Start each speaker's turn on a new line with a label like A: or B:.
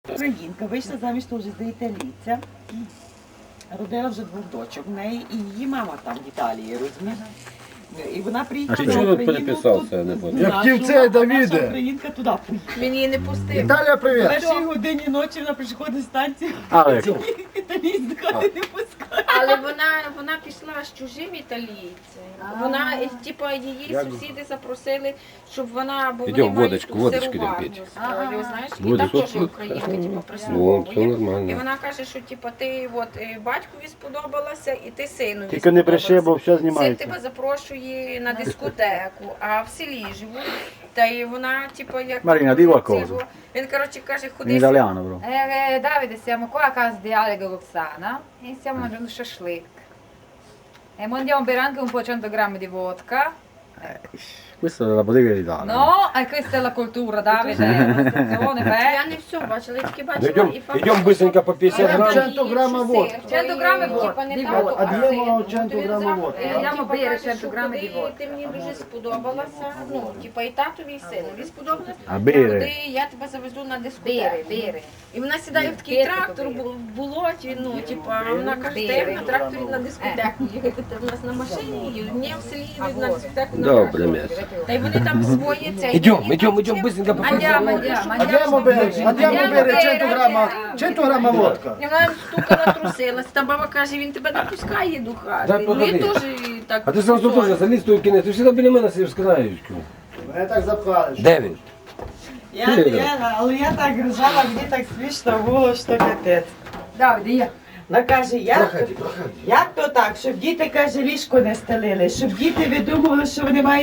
A: Українка вийшла заміж теж за італійця. Родила вже 2 дочок. В неї і її мама там в Італії, розумієш? І вона приїхала
B: А
A: на
B: чого
A: Україну.
B: переписався, я не понял?
C: Я хотів це, Давіде.
A: Наша українка туди поїхала.
D: Мені не пустив.
C: Віталія,
A: В
C: привіт.
A: першій годині ночі вона приходить з станції,
B: Але
A: італійць до хати не пускає.
D: Але вона пішла з чужим італійцем. Вона, типу, її сусіди запросили, щоб вона, бо
B: Ідем,
D: вони мають
B: водочку
D: сироварню
B: будем пити.
D: свою, знаєш, і
B: Водочку.
D: там теж українка, типу,
B: ну, все
D: прислуговує. І
B: нормально.
D: вона каже, що типу, ти от, батькові сподобалася і ти синові
E: Тільки не бреши, бо все
D: Син
E: знімається.
D: тебе запрошує на дискотеку, а в селі живуть. Та й вона, типу, як...
E: Marina, di qualcosa.
D: Він, коротше, каже,
E: In
D: ходи
E: italiano, bro.
F: Davide, siamo qua a casa di Ale Golozzana e stiamo mangiando shashlik. E mandiamo bere anche un po' 100 grammi di vodka.
E: Questa è la bottega d'Italia.
F: No, e questa è la cultura, Davide, è una stazione,
D: Я
F: beh.
D: не все бачила, я тільки
B: Ну,
D: бачила
B: Идем быстренько по 50 грамм.
C: 100 грамів водки.
F: 100 грамів водки.
C: А діємо 100 грамів водки.
F: Andiamo a bere 100 grammi di vodka.
D: Ти мені дуже сподобалася, ну, типа і татові, і синові сподобалася.
E: А бери?
D: Ходи, я тебе завезу на дискотеку.
F: Bere, bere.
D: І вона сідає в такий
F: Бери,
D: трактор,
F: бери.
D: в болоті, ну, типа, вона каже,
F: Бери.
D: ти на тракторі на дискотеку їхати, ти в нас на машині їдуть, ні, в селі їдуть на дискотеку. на
B: Добре,
D: тракторі.
B: м'ясо.
D: Та й вони там своє це.
B: Идем,
D: і
B: идем,
D: там
B: идем
D: чим-
B: быстренько по 50
F: Andiamo,
B: грамм.
F: andiamo,
C: Andiamo bere 100 грамів водка.
D: І вона стукала, трусилась. Та баба каже, він тебе не пускає до хати.
B: Дай
D: Ну, я
B: походи.
D: теж так.
B: А ти зразу теж заліз той кінець, ти завжди біля мене сидиш з краєчку.
C: Мене так запхали.
B: Де він?
A: Але я так ржала, мені так смішно було, що капець.
F: Davide, io.
A: Вона каже,
B: Проходи.
A: як то так, щоб діти, каже, ліжко не стелили, щоб діти видумували, що вони мають